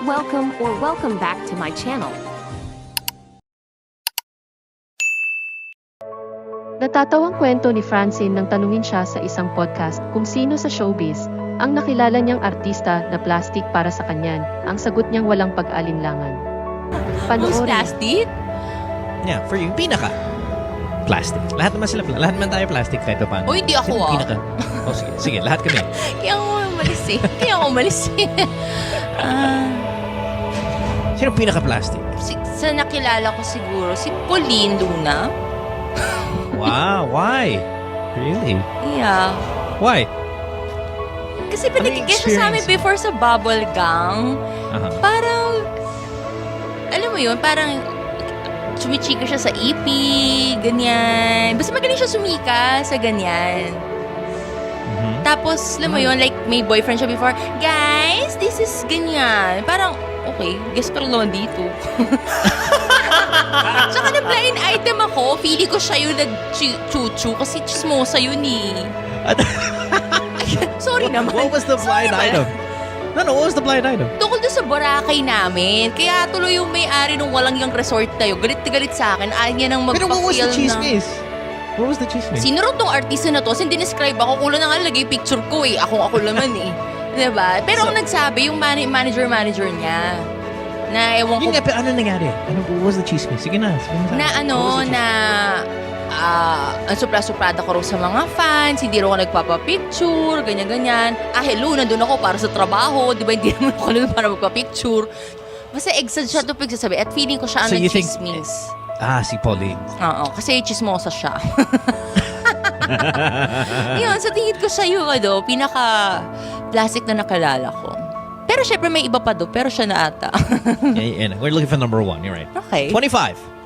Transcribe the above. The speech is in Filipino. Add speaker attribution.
Speaker 1: welcome back to my channel.
Speaker 2: Natatawang kwento ni Francine nang tanungin siya sa isang podcast kung sino sa showbiz ang nakilala niyang artista na plastic para sa kanyan. Ang sagot niyang walang pag-alinlangan.
Speaker 3: Who's
Speaker 2: Panoorin.
Speaker 3: plastic?
Speaker 4: Yeah, for you, pinaka. Plastic. Lahat naman sila, lahat naman tayo plastic kahit pa paano.
Speaker 3: O, hindi ako,
Speaker 4: Sino
Speaker 3: ah.
Speaker 4: pinaka? Oh, sige, lahat kami.
Speaker 3: Kaya ako umalis eh.
Speaker 4: Sino pinaka-plastic?
Speaker 3: Sa nakilala ko siguro, si Pauline Luna.
Speaker 4: Wow, why? Really?
Speaker 3: Yeah.
Speaker 4: Why?
Speaker 3: Kasi
Speaker 4: Ano yung
Speaker 3: pinagkikita siya sa amin
Speaker 4: experience?
Speaker 3: before sa Bubble Gang.
Speaker 4: Aha.
Speaker 3: Parang, alam mo yun, parang sumichika siya sa EP, ganyan. Basta magaling siya sumika sa ganyan.
Speaker 4: Mhm.
Speaker 3: Tapos, alam mo yun, like, may boyfriend siya before, guys, this is ganyan. Parang, okay, guess ko lang naman dito. Tsaka na blind item ako, feeling ko siya yung nag-chuchu kasi chismosa yun eh. Sorry naman.
Speaker 4: What was the blind
Speaker 3: Sorry
Speaker 4: item? No, what was the blind item?
Speaker 3: Tungkol doon sa Boracay namin. Kaya tuloy yung may-ari nung walang yung resort na yun. Galit na galit sa akin. Ayaw niya nang
Speaker 4: Pero what was the
Speaker 3: magpa-feel na...
Speaker 4: chismis? What was the chismis?
Speaker 3: Sino rin tong artista na to? Kasi dinescribe ako. Kulang na nga lagay picture ko eh. Ako naman eh. Diba? Pero ang nagsabi, yung manager niya. Na ewan ko...
Speaker 4: Yun nga, pero ano nangyari? What was the chismis? Sige na.
Speaker 3: Na ano, na... ang supra-suprada ko rin sa mga fans, hindi rin ako nagpapapicture, ganyan-ganyan. Hello, nandun ako para sa trabaho, di ba? Hindi naman ako nandun para magpapicture. Basta exag siya ito pagsasabi at feeling ko siya ang
Speaker 4: So you think-
Speaker 3: nag-chismis.
Speaker 4: Si Pauline.
Speaker 3: Oo, kasi chismosa siya. Yun, sa tingin ko siya yung pinaka-plastic na nakalala ko. Pero syempre may iba pa do, pero siya na ata.
Speaker 4: Yeah, we're looking for number 1. You're right.
Speaker 3: Okay.
Speaker 4: 25.